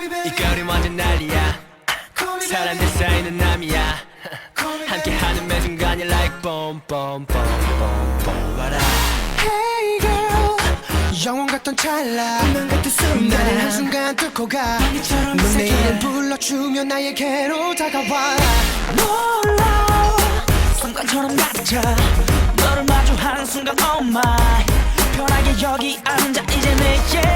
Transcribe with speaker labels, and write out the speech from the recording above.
Speaker 1: 이 거리 완전 난리야. 사람들 사이는 남이야. 함께하는 매 순간이 like boom boom boom boom boom. What up?
Speaker 2: Hey girl, 영원 같던 찰나 운명 같은 순간 나를 한순간 뚫고 가. 넌 내 이름 불러주면 나에게로 다가와.
Speaker 3: 놀라 순간처럼 낮아 너를 마주하는 순간 oh my 편하게 여기 앉아 이제 내